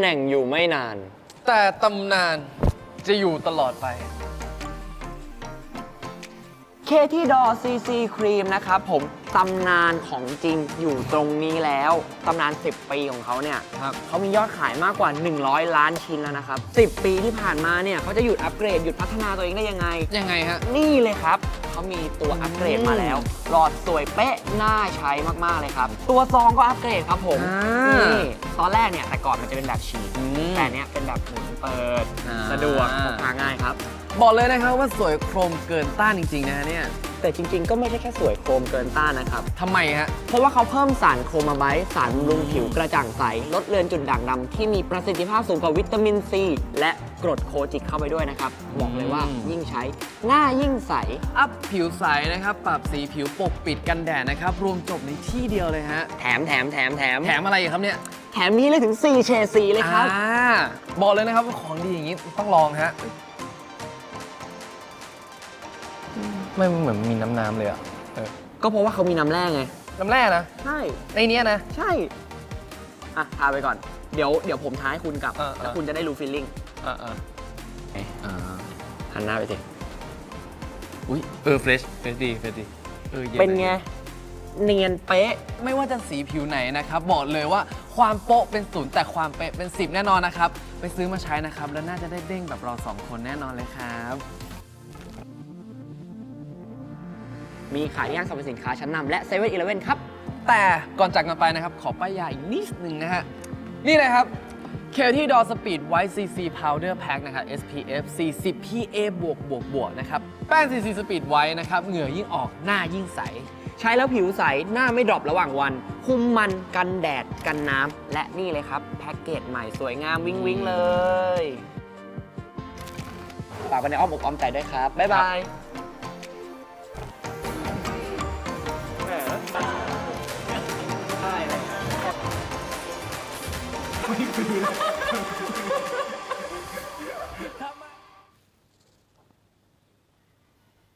น่งอยู่ไม่นานแต่ตำนานจะอยู่ตลอดไปเคที่ดอซีซีครีมนะครับผมตำนานของจริงอยู่ตรงนี้แล้วตำนาน 10 ปีของเขาเนี่ยเขามียอดขายมากกว่า 100 ล้านชิ้นแล้วนะครับ 10 ปีที่ผ่านมาเนี่ยเขาจะหยุดอัปเกรดหยุดพัฒนาตัวเองได้ยังไงยังไงฮะนี่เลยครับเขามีตัวอัปเกรดมาแล้วหลอดสวยเป๊ะน่าใช้มากๆเลยครับตัวซองก็อัปเกรดครับผมนี่ตอนแรกเนี่ยแต่ก่อนมันจะเป็นแบบฉีดแต่เนี้ยเป็นแบบหมุนเปิดสะดวกพกพาง่ายครับบอกเลยนะครับว่าสวยโครมเกินต้านจริงๆนะฮะเนี่ยแต่จริงๆก็ไม่ใช่แค่สวยโครมเกินต้านนะครับทำไมฮะเพราะว่าเขาเพิ่มสารโครมาไบต์สารบำรุงผิวกระจ่างใสลดเลือนจุดด่างดำที่มีประสิทธิภาพสูงกว่าวิตามินซีและกรดโคจิกเข้าไปด้วยนะครับบอกเลยว่ายิ่งใช้หน้ายิ่งใสอัพผิวใสนะครับปรับสีผิวปกปิดกันแดดนะครับรวมจบในที่เดียวเลยฮะแถมอะไรอีกครับเนี่ยแถมมีเลยถึง4เฉดสีเลยครับบอกเลยนะครับว่าของดีอย่างนี้ต้องลองฮะไม่เหมือนมีน้ำเลยอ่ะก็เพราะว่าเขามีน้ำแร่ไงน้ำแร่นะใช่ในนี้นะใช่อ่ะทาไปก่อนเดี๋ยวผมท้าให้คุณกลับแล้วคุณจะได้รู้ฟีลลิ่งหันหน้าไปสิอุ้ยเฟรชดีเป็นไงเนียนเป๊ะไม่ว่าจะสีผิวไหนนะครับบอกเลยว่าความโป๊ะเป็น0แต่ความเป๊ะเป็น10แน่นอนนะครับไปซื้อมาใช้นะครับแล้วน่าจะได้เด้งแบบเรา2คนแน่นอนเลยครับมีขายที่ห้างสรรพสินค้าชั้นนำและเซเว่นอีเลฟเว่นครับแต่ก่อนจากกันไปนะครับขอป้ายยาอีกนิดนึงนะฮะนี่เลยครับเคที่ดอสปีดไวท์ซีซีพาวเดอร์แพ็คนะครับ SPF 40 PA บวกนะครับแป้ง CC สปีดไวท์นะครับเหงื่อยิ่งออกหน้ายิ่งใสใช้แล้วผิวใสหน้าไม่ดรอประหว่างวันคุมมันกันแดดกันน้ำและนี่เลยครับแพ็กเกจใหม่สวยงามวิ้งเลยฝากไว้ในอ้อมอกอ้อมใจด้วยครับบ๊ายบายใช่เลย